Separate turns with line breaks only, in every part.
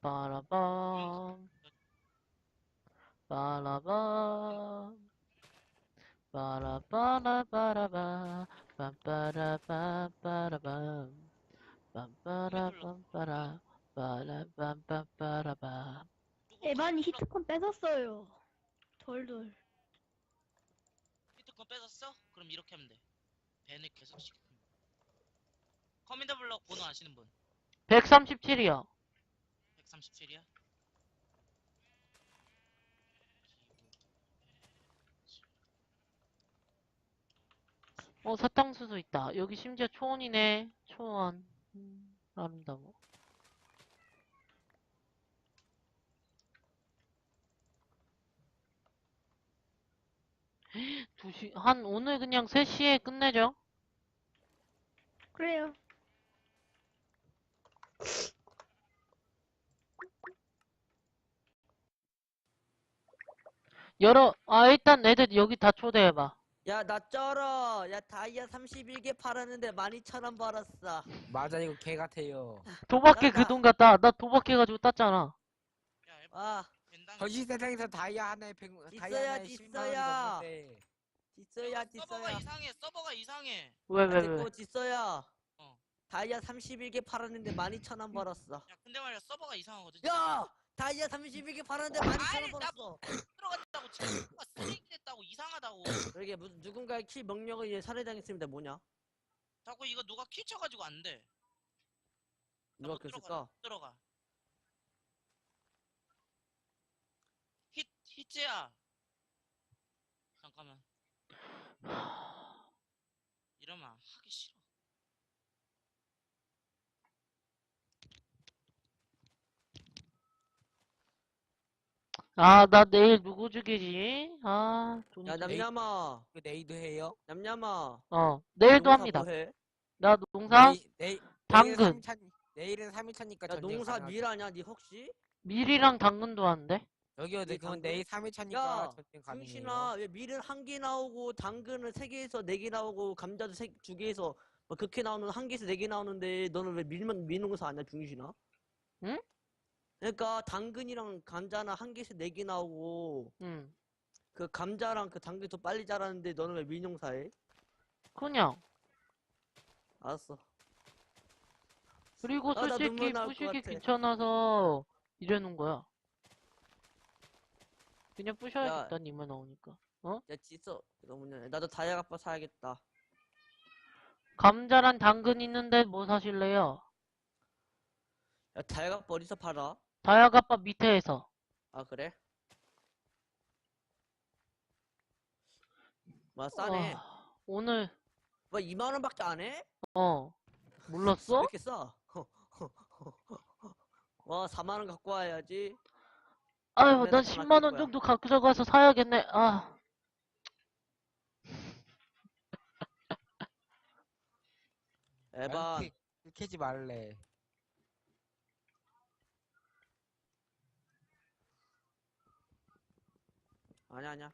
빠라밤 빠라밤 빠라바라바라밤 빰빠라빰빠라밤 빰빠라빰빠라 빠라빰빰빠라밤.
에반이 히트콘 뺏었어요. 덜덜.
히트콘 뺏었어? 그럼 이렇게 하면 돼. 밴을 계속 시켜. 커맨드 블럭 번호 아시는 분?
137이요.
137이야?
사탕수수 있다. 여기 심지어 초원이네. 초원. 아름다워. 오늘 그냥 3시에 끝내죠.
그래요.
일단 애들 여기 다 초대해봐.
야, 나 쩔어. 야, 다이아 31개 팔았는데 12,000원 벌었어.
맞아, 이거 개 같아요.
도박해 그
나-
돈 갖다. 나 도박해가지고 땄잖아.
야,
와,
벤당.
거시 세상에서 다이아 하나에 10만
있어야,
원이
있어야.
넘는데.
딨어야,
서버가
딨어야.
이상해. 서버가 이상해.
왜?
됐고, 딨어야.
어.
다이아 31개 팔았는데 12,000원 벌었어.
야, 근데 말이야 서버가 이상하거든.
야! 다이아 31개 팔았는데 12,000원
아니, 나
벌었어.
들어갔다고 지금 쓰레기 됐다고 이상하다고.
그러게, 무슨 누군가의 킬 명령을 위해 살해당했습니다. 뭐냐?
자꾸 이거 누가 킬 쳐가지고 안 돼. 나
누가
못
그랬을까?
들어가. 히트야. 잠깐만. 이러면 하기 싫어.
나 내일 누구 죽이지? 돈
야,
좀-
냠냠아.
그 내일도 해요?
냠냠아.
내일도
농사
합니다.
뭐해?
나 농사? 당근.
내일은 3일차니까
야,
전쟁
농사
가능하죠.
밀하냐, 니 혹시?
밀이랑 당근도 하는데?
여기요,
네,
그건
당근?
내일 3일차니까
야,
전쟁 가능해요.
중신아, 왜 밀은 1개 나오고, 당근은 3개에서 4개 나오고, 감자도 2개에서, 뭐, 그렇게 나오는, 1개에서 4개 나오는데, 너는 왜 밀농사 아니야, 중신아?
응?
그러니까, 당근이랑 감자는 1개에서 4개 나오고,
응.
그 감자랑 그 당근이 더 빨리 자라는데, 너는 왜 밀농사 해?
그냥.
알았어.
그리고
나
솔직히
눈물 나올 것
부시기
같아.
귀찮아서 이러는 거야. 그냥 부셔야겠다, 니만 나오니까.
야, 짖어. 너무냐. 나도 다이아 갑바 사야겠다.
감자랑 당근 있는데 뭐 사실래요?
야, 다이아 갑바 어디서 팔아?
다이아갑바 밑에에서.
아, 그래? 와, 싸네.
오늘,
뭐, 2만원밖에 안 해? 왜
몰랐어?
이렇게 싸? 와, 4만원 갖고 와야지.
아유,
그래,
난
나돈
10만원
아낄
정도 가져가서 사야겠네.
에반.
캐지 말래.
아니야.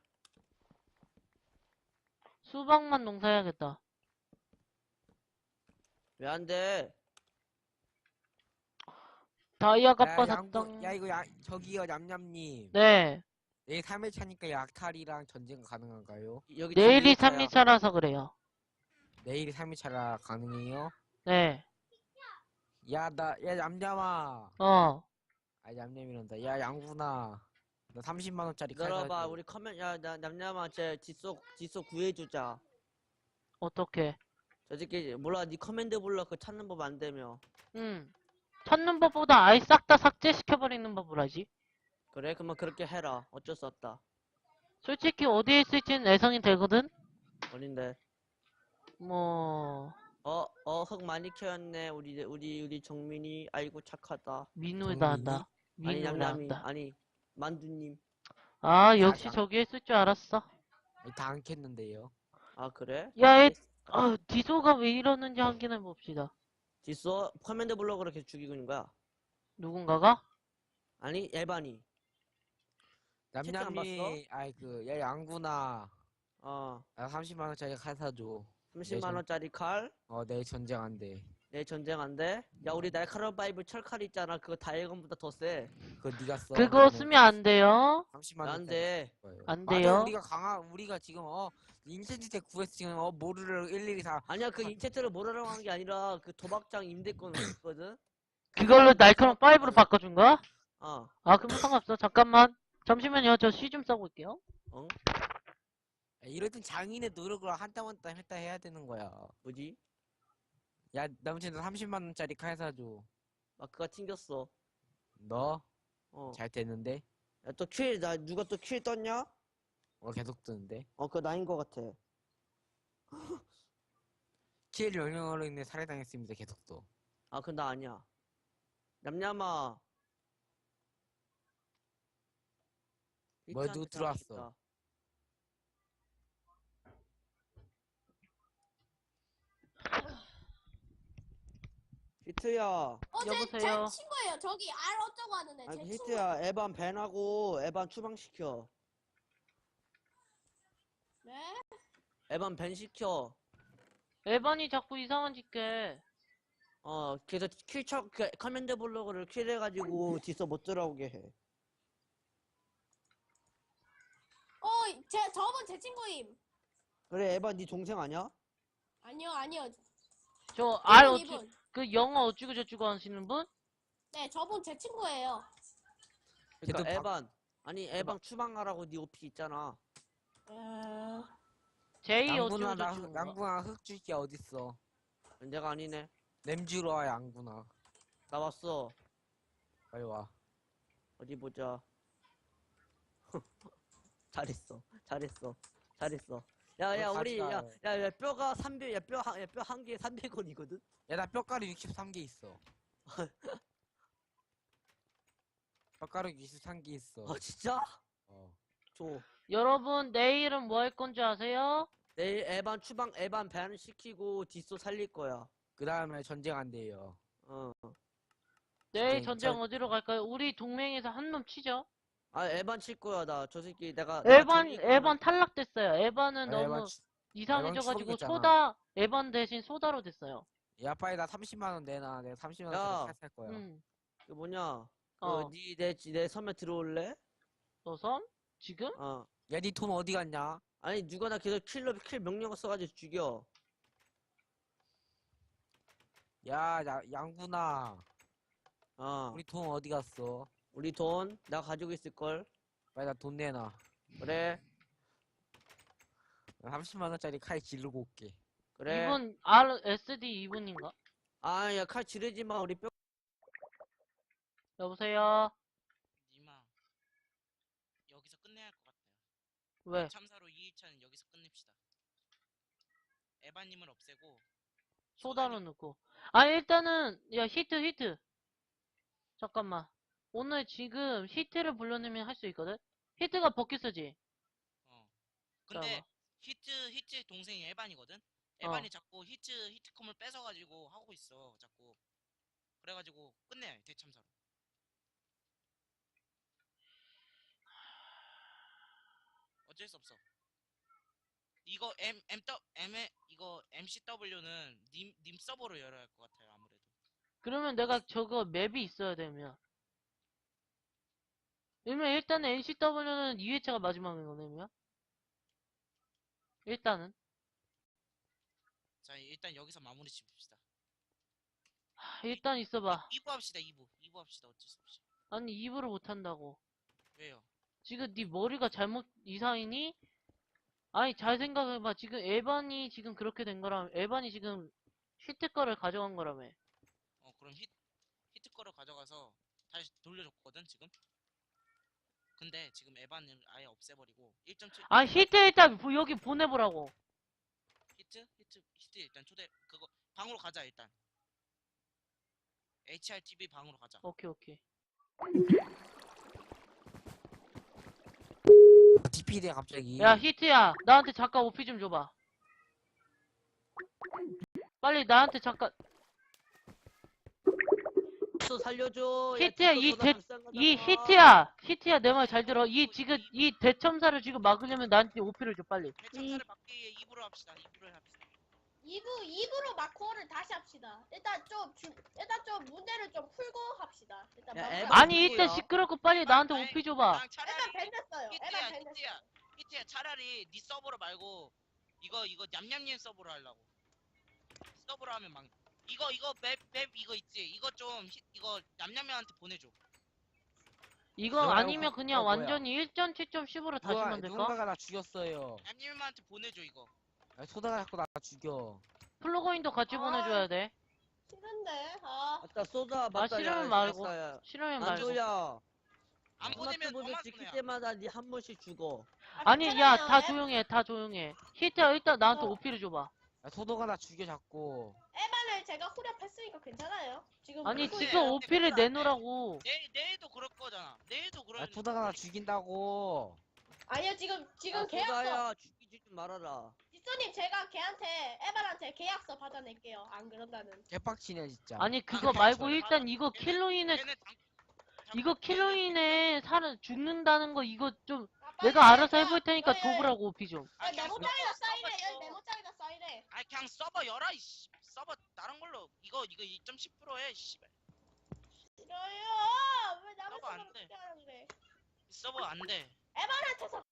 수박만 농사해야겠다.
왜 안 돼?
다이아갑바
야,
샀당.
야, 이거 저기요, 냠냠님.
네.
내일 3일차니까 약탈이랑 전쟁 가능한가요?
여기
내일이
지금
3일차라서 그래요.
내일이 3일차라 가능해요?
네.
야, 냠냠아. 냠냠이란다. 야, 양분아. 너 30만원짜리 칼
기다려봐.
사줘.
우리 야, 냠냠아, 쟤 뒷속 구해주자.
어떻게?
저 새끼, 몰라, 니 커맨드 불러. 그거 찾는 법 안 되며.
찾는 법보다 아예 싹 다 삭제시켜버리는 법을 하지.
그래? 그러면 그렇게 해라. 어쩔 수 없다.
솔직히 어디에 있을지는 예상이 되거든?
어딘데?
뭐,
흙 많이 키웠네. 우리 정민이. 아이고, 착하다.
민우다 한다.
아니,
민우다
냠냠이.
한다.
아니, 만두님.
역시
양-
저기에 있을 줄 알았어.
다 안 캤는데요.
아, 그래?
야, 디소가 왜 이러는지 확인해 봅시다.
뒷소 커맨드 블럭으로 계속 죽이고 있는 거야.
누군가가?
아니, 에반이. 채팅 안
냠냠이, 야, 양분아.
어,
나 30만원짜리 칼 사줘.
30만원짜리 칼.
내일 전쟁 안 돼.
내 전쟁 안 돼? 야 우리 날카로운 파이브 철칼 있잖아. 그거 다이건보다 더 세.
그거 네가 써.
그거 쓰면 안 돼요.
30만
안 돼.
안
맞아,
돼요.
우리가 지금 인센티텍 구해서 지금 모르를 일일이 다
아니야 그 인체트를 뭐라고 한 게 아니라 그 도박장 임대권 있거든.
그걸로 날카로운 5로 바꿔준 거야?
어.
아, 그럼 상관없어. 잠깐만. 잠시만요. 저 시 좀 써고 올게요.
어?
이럴 땐 장인의 노력을 한 땀 한 땀 했다 해야 되는 거야.
뭐지?
야, 남친도 30만 원짜리 칼 사줘.
마크가 튕겼어.
너?
어.
잘 됐는데?
야 또 나 누가 또 킬 떴냐?
계속 뜨는데?
그거 나인 거 같아.
킬 명령어로 인해 살해당했습니다. 계속 또.
아, 그건 나 아니야. 냠냠아.
뭐야, 누구
히트한테
들어왔어?
당하겠다. 히트야.
어제
여보세요?
제 친구예요. 저기 알 어쩌고 하는데
아니,
제 친구.
히트야, 에반 밴하고 에반 추방시켜.
네?
에반 밴 시켜.
에반이 자꾸 이상한 짓게.
그래서 커맨드 블로그를 킬해가지고 뒤서 못 들어오게 해.
저분 제 친구임.
그래, 에반 네 동생 아니야?
아니요.
저 알 어쭈,
이분.
그 영어 어쭈고 저쭈고 하시는 분?
네, 저분 제 친구예요.
그러니까
걔도
에반. 아니, 에반 추방하라고 네 오피 있잖아.
제이
양구나,
어쭈고 저쭈고.
양구나 흑줄기 어딨어?
내가 아니네.
냄주로 와, 양구나.
나 왔어.
빨리 와.
어디 보자. 잘했어. 야,
너
우리,
가져가.
야, 뼈가 300, 야, 뼈 한 개에 300원이거든?
야, 나 뼈가루 63개 있어. 뼈가루 63개 있어.
진짜?
어.
줘.
여러분, 내일은 뭐 할 건지 아세요?
내일 에반 밴 시키고 디소 살릴 거야.
그 다음에 전쟁 안 돼요.
내일
전쟁,
전쟁 어디로 갈까요? 우리 동맹에서 한 놈 치죠?
에반 칠 거야, 나. 저 새끼, 내가
에반 탈락됐어요. 에반은
아,
너무 이상해져가지고
추방됐잖아.
에반 대신 소다로 됐어요.
야, 빨리 나 30만 원 내놔. 내가 30만
야.
원짜리 살 거야.
그 뭐냐.
어.
내 섬에 들어올래?
너 섬? 지금?
야, 니 돈 어디 갔냐?
아니, 누가 나 계속 킬 명령어 써가지고 죽여.
야, 양구나.
우리
우리 돈 어디 갔어?
돈, 나 가지고 있을걸?
빨리 나 돈 내놔.
그래,
나 30만 원짜리 칼 지르고 올게.
그래.
이분 RSD 이분인가?
야, 칼 지르지 마, 우리 뼈.
여보세요?
니마 여기서 끝내야 할 것 같아요.
왜?
참사로 2일차는 여기서 끝냅시다. 에바님을 없애고
소다로 넣고. 아, 일단은, 야, 히트. 잠깐만. 오늘 지금 히트를 불러내면 할 수 있거든? 히트가 버킷이지?
근데
잠깐만.
히트 동생이 에반이거든? 에반이 자꾸 히트컴을 뺏어가지고 하고 있어 자꾸. 그래가지고 끝내야 해 대참사로. 어쩔 수 없어. 이거 이거 MCW는 님 서버로 열어야 할 것 같아요 아무래도.
그러면 내가 저거 맵이 있어야 되면. 그러면 일단은 NCW는 2회차가 마지막인 거네요? 일단은.
자 일단 여기서 마무리 짓읍시다.
일단 있어봐.
2부 합시다 2부 합시다 어쩔 수 없이.
아니, 2부를 못한다고.
왜요?
지금 네 머리가 잘못 이상이니? 아니, 잘 생각해봐. 지금 에반이 지금 그렇게 된 거라면, 에반이 지금 히트 거를 가져간 거라며.
그럼 히트 거를 가져가서 다시 돌려줬거든 지금. 근데 지금 에반을 아예 없애버리고 1.7
아, 히트 일단 여기 보내보라고.
히트 일단 초대 그거 방으로 가자 일단. HRTV 방으로 가자.
오케이.
DPD야 갑자기.
야, 히트야. 나한테 잠깐 오피 좀 줘봐. 빨리 나한테 잠깐.
또 살려줘.
히트야,
디소 더 비싼 거잖아.
히트야, 내 말 잘 들어. 이 대첨사를 지금 막으려면 나한테 오피를 줘, 빨리.
대참사를 막기 위해 2부로 합시다. 2부를 합시다.
2부로 마코를 다시 합시다. 일단 좀 문제를 좀 풀고 합시다. 일단
야,
마코-
에바
아니
누구야?
일단 시끄럽고 빨리 나한테
아니,
오피 줘봐.
그냥 차라리
에반 밴 됐어요.
히트야
에반 밴 됐어.
히트야 차라리 네 서버로 말고 이거 냠냠님 서버로 하려고. 서버로 하면 막 이거 맵 이거 있지. 이거 좀 이거 냠냠이한테 보내줘.
이거
뭐야,
아니면
이거
그냥
뭐야?
완전히 1.7.10으로 다시 만들까?
누군가가 나 죽였어요.
냠냠한테 보내줘 이거.
아, 소다가 자꾸 나 죽여.
플러그인도 같이
아.
보내줘야 돼.
싫은데. 아.
맞다 쏘다 맞다.
싫으면
야,
말고.
야,
싫으면 말고.
안조야.
안 보내면
스마트보드
너만
찍힐
손해야.
때마다 니 한 번씩 죽어.
아니 야
괜찮아요.
다 조용해 다 조용해. 히트야 일단 나한테
어.
오피를 줘봐.
야, 소다가 나 죽여 자꾸.
에반을 제가 후렴했으니까 괜찮아요. 지금
아니
그거-
지금 오피를 내놓으라고.
내일도 그럴 거잖아. 내일도 그럴.
야, 소다가 나 죽인다고.
아니요 지금
야,
계약서
소다야 죽이지 좀 말아라.
지소님 제가 걔한테 에반한테 계약서 받아낼게요. 안 그런다는.
개빡치네 진짜.
아니 그거 말고 일단 이거 킬로 인해 이거 킬로 인해 사람 죽는다는 거 이거 좀 내가 알아서 해볼 테니까 줘보라고 오피 좀.
메모장에다 사인해. 여기 메모장에다 사인해.
아 그냥 서버 열어 이씨. 서버 다른 걸로 이거 2.10% 씨발.
싫어요. 왜 남의
서버 안
서버를
돼.
어떻게 하라 그래.
서버 안 돼.
에반한테서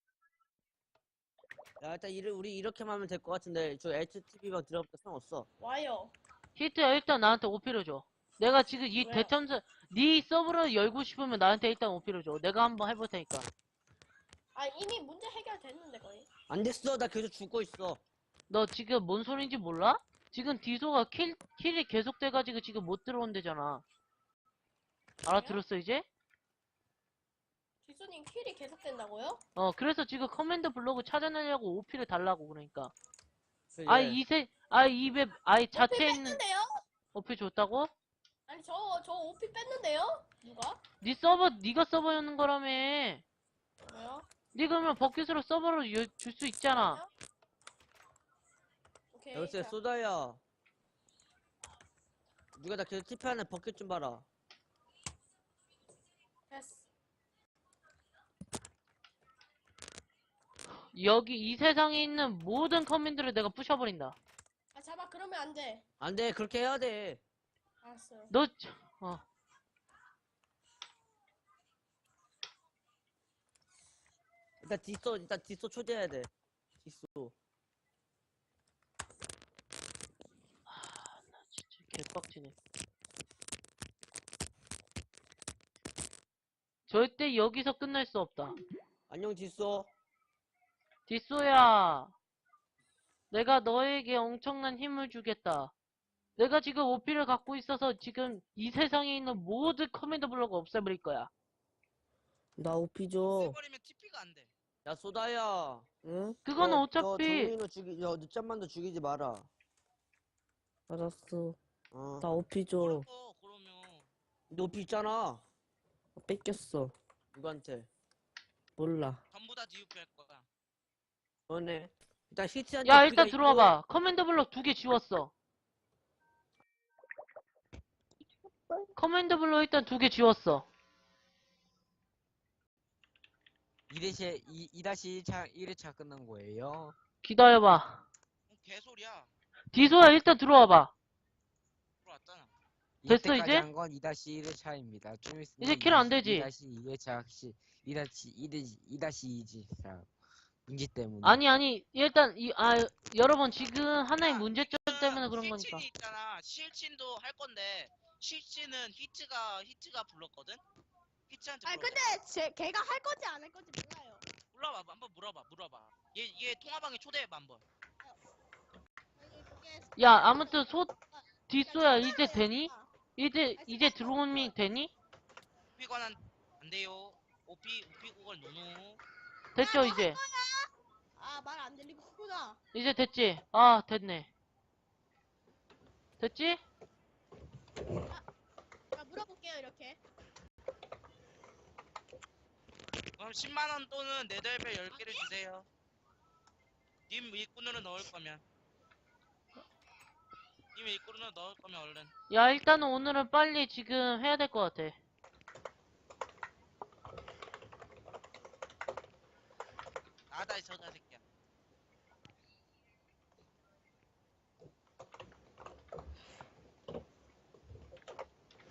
야 일단 우리 이렇게만 하면 될 것 같은데 저 HTV방 들어가면 상관없어.
와요.
히트야 일단 나한테 오피를 줘. 내가 지금 이
왜요?
대참사 네 서버를 열고 싶으면 나한테 일단 오피를 줘. 내가 한번 해볼 테니까.
아 이미 문제 해결됐는데 거의.
안 됐어. 나 계속 죽고 있어.
너 지금 뭔 소린지 몰라? 지금 디소가 킬이 계속돼가지고 지금 못 들어온대잖아. 알아들었어 이제?
지소님 킬이 계속된다고요?
그래서 지금 커맨드 블록을 찾아내려고 오피를 달라고 그러니까.
그래.
이 자체에
오피
있는
뺐는데요?
오피 줬다고?
아니 저 오피 뺐는데요? 누가?
네 서버 네가 서버 여는 거라며.
왜요?
네 그러면 버킷으로 서버로 줄 수 있잖아.
오케이.
여보세요
자,
소다야. 누가 나 계속 TP하는 버킷 좀 봐라.
됐어.
여기 이 세상에 있는 모든 커맨드를 내가 부셔버린다.
아 잡아 그러면 안 돼.
안 돼. 그렇게 해야 돼.
알았어요.
너
일단 디소 초대해야 돼. 디소.
진짜 개빡치네. 절대 여기서 끝날 수 없다.
안녕 디소.
디소야, 내가 너에게 엄청난 힘을 주겠다. 내가 지금 오피를 갖고 있어서 지금 이 세상에 있는 모든 커맨드 블록을 없애버릴 거야.
나 오피 줘.
써버리면 TP가 안 돼.
야 소다야.
응?
그건
너
어차피
정민호 늦잠만도 죽이지 마라.
알았어.
어.
나 오피 줘.
그러고 그러면
너 오피 있잖아.
뺏겼어.
누구한테?
몰라.
전부 다 DUP 할 거야.
너네. 일단 히트한테
야
오피가
일단
있고,
들어와봐. 커맨드 블록 2개 지웠어. 커맨드 블록 일단 2개 지웠어.
2-1차 1회차 끝난 거예요.
기다려봐.
개소리야.
디소야 일단 들어와봐.
들어왔잖아.
됐어,
이때까지
이제?
한 건 2-1회차입니다. 좀 있으면
이제 킬 안 되지?
2-2회차 2-2지. 자, 문제 때문에.
아니 일단 여러분 지금 하나의 문제점 때문에 그런 거니까.
실친이 있잖아. 실친도 할 건데 실친은 히트가 불렀거든. 히트한테
아니
물어봐.
근데 걔가 할 건지 안 할 건지 몰라요.
물어봐. 한번 물어봐. 얘 통화방에 초대해봐 한번.
야 아무튼 디소야 이제 되니? 이제 들어오면 되니?
오피 관한 안 돼요. 오피 구걸 노노.
됐죠 이제?
아 말 안 들리구나.
이제 됐지? 아 됐네. 됐지?
자 물어볼게요 이렇게.
그럼 10만원 또는 네덜벨 10개를 주세요. 님 일꾼으로 넣을 거면. 님 일꾼으로 넣을 거면 얼른.
야 일단은 오늘은 빨리 지금 해야 될 것 같아.
나다 이 저자 새끼야.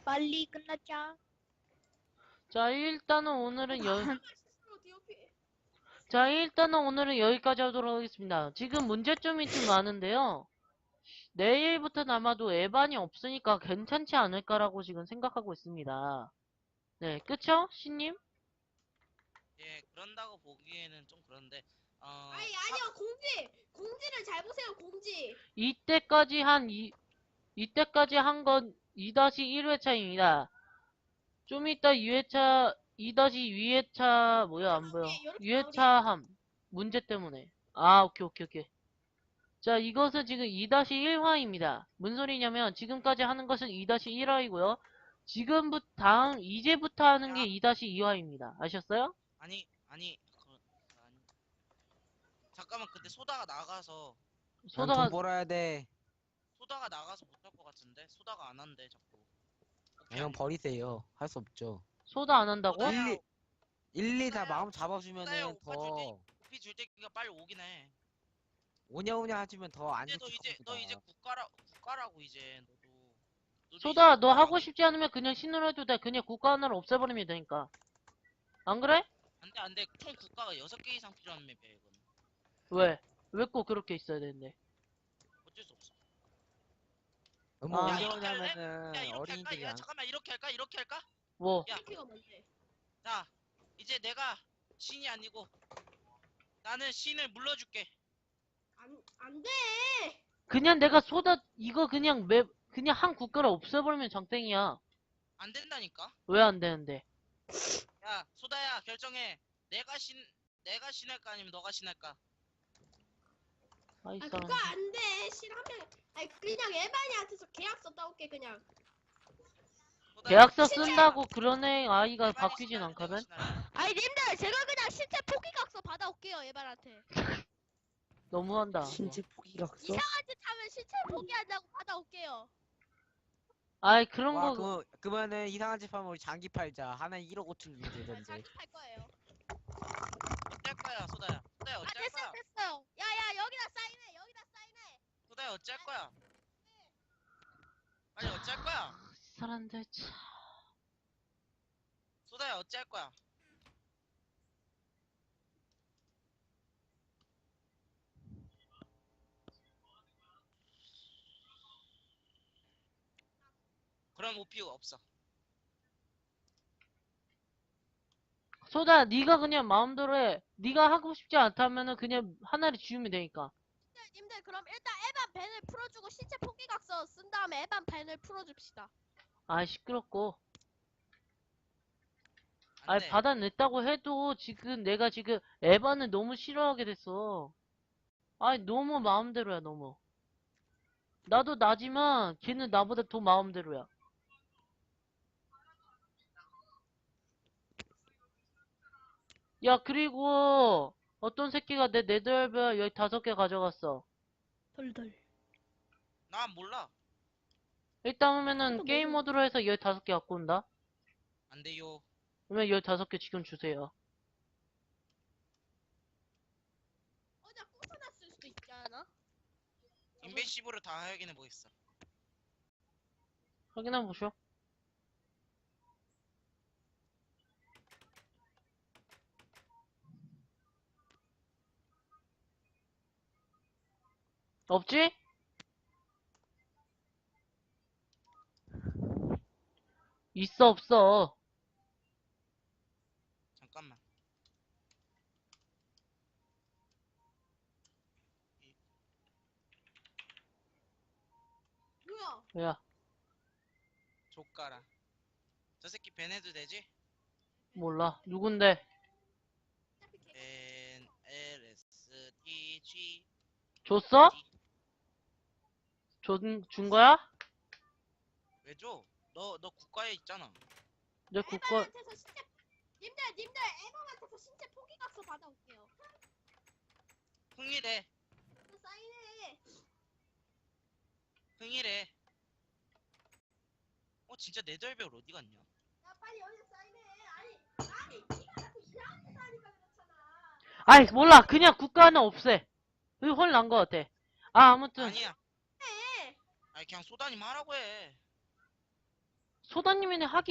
빨리 끝났자.
자, 일단은 오늘은
실수로 DOP.
자, 일단은 오늘은 여기까지 하도록 하겠습니다. 지금 문제점이 좀 많은데요. 내일부터는 아마도 에반이 없으니까 괜찮지 않을까라고 지금 생각하고 있습니다. 네, 그쵸? 신님?
예, 그런다고 보기에는 좀 그런데
아니요, 공지를 잘 보세요, 공지.
이때까지 한 건 2-1회차입니다. 좀 이따 2회차, 2-2회차, 뭐야, 안 보여.
이렇게
2회차 문제 때문에. 아, 오케이. 자, 이것은 지금 2-1화입니다. 무슨 소리냐면, 지금까지 하는 것은 2-1화이고요. 이제부터 하는 게 2-2화입니다. 아셨어요?
아니 잠깐만 근데 소다가 나가서
소다가,
돈 벌어야 돼.
소다가 나가서 못할 것 같은데 소다가 안 한대 자꾸. 오케이,
그냥 버리세요. 할 수 없죠.
소다 안 한다고?
소다야,
1, 2 다
소다야,
마음
소다야,
잡아주면은
오빠
더
오피 줄 때가 빨리 오긴 해.
오냐오냐 하시면 더 안
근데
좋을
너 이제
겁니다.
국가라고 이제 너도
소다,
이제
너 하고
국가라고.
싶지 않으면 그냥 신으로 해도 돼. 그냥 국가 하나를 없애버리면 되니까. 안 그래?
안돼 총 국가가 6개 이상 필요한 맵이야 이건.
왜? 왜 꼭 그렇게 있어야 되는데?
어쩔 수 없어.
너무
아.
야, 이렇게 할래?
오냐오냐면은
야 이렇게 할까?
어린이들이
야
안
잠깐만 이렇게 할까?
뭐?
야.
DOP가 뭔데?
자 이제 내가 신이 아니고 나는 신을 물러줄게.
안 돼.
그냥 내가 이거 그냥 그냥 한 국가를 없애버리면 장땡이야.
안 된다니까.
왜 안 되는데?
야 소다야 결정해. 내가 신할까 아니면 너가 신할까?
아이,
그거
사람.
안 돼. 실하면 그냥 에반이한테서 계약서 따올게 그냥.
소다야,
계약서
진짜.
쓴다고 그런 애 아이가
에반이
바뀌진
신할래,
않거든?
내가 신할래?
아니 님들 제가 그냥 신체 포기각서 받아올게요 에반한테.
너무한다.
신체 포기각서?
이상한 짓 하면 신체 포기한다고 받아올게요.
아이, 그런
와,
거,
그러면은 이상한 집 하면 우리 장기 팔자. 하나에 1억 5천 주면
나
되던데.
자기 팔 거예요.
어쩔 거야 소다야. 소다야 어쩔 거야.
됐어요. 야야 여기다 사인해.
소다야 어쩔 거야. 빨리 어쩔 거야.
이 사람들 참.
소다야 어쩔 거야. 그럼 오피가 없어.
소다, 네가 그냥 마음대로 해. 네가 하고 싶지 않다면은 그냥 하나를 지우면 되니까.
님들 그럼 일단 에반 밴을 풀어주고 신체 포기각서 쓴 다음에 에반 밴을 풀어줍시다.
아이, 시끄럽고.
안
아이,
돼.
받아냈다고 해도 내가 지금 에반을 너무 싫어하게 됐어. 아이, 너무 마음대로야, 너무. 나도 나지만 걔는 나보다 더 마음대로야. 야, 그리고 어떤 새끼가 내 네덜벨 여기 5개 가져갔어.
덜덜.
난 몰라.
일단 오면은
나도
게임
몰라.
모드로 해서 15개 갖고 온다.
안 돼요.
그러면 15개 지금 주세요.
어제 부숴놨을 수도 있지 않아?
인벤시브를 다 확인해 보겠어.
확인해 보쇼. 없지? 있어, 없어.
잠깐만.
뭐야?
야,
조까라. 저 새끼 밴 해도 되지?
몰라. 누군데?
밴 LSTG
줬어? 준 거야?
왜 줘? 너 국가에 있잖아.
내 국가,
에반한테서 신체 님들 에반한테서 신체 포기각서 받아올게요.
흥이래.
사인해.
흥이래. 진짜 네덜벨 어디 갔냐?
야 빨리 여기 사인해. 아니 니가 자꾸 이상한 짓 하니까 그렇잖아.
아이, 몰라. 그냥 국가 하나 없애. 이거 훨 나은 것 같아. 아무튼.
아니야.
해.
아니 그냥 소다님 하라고 해.
소다님이네 하기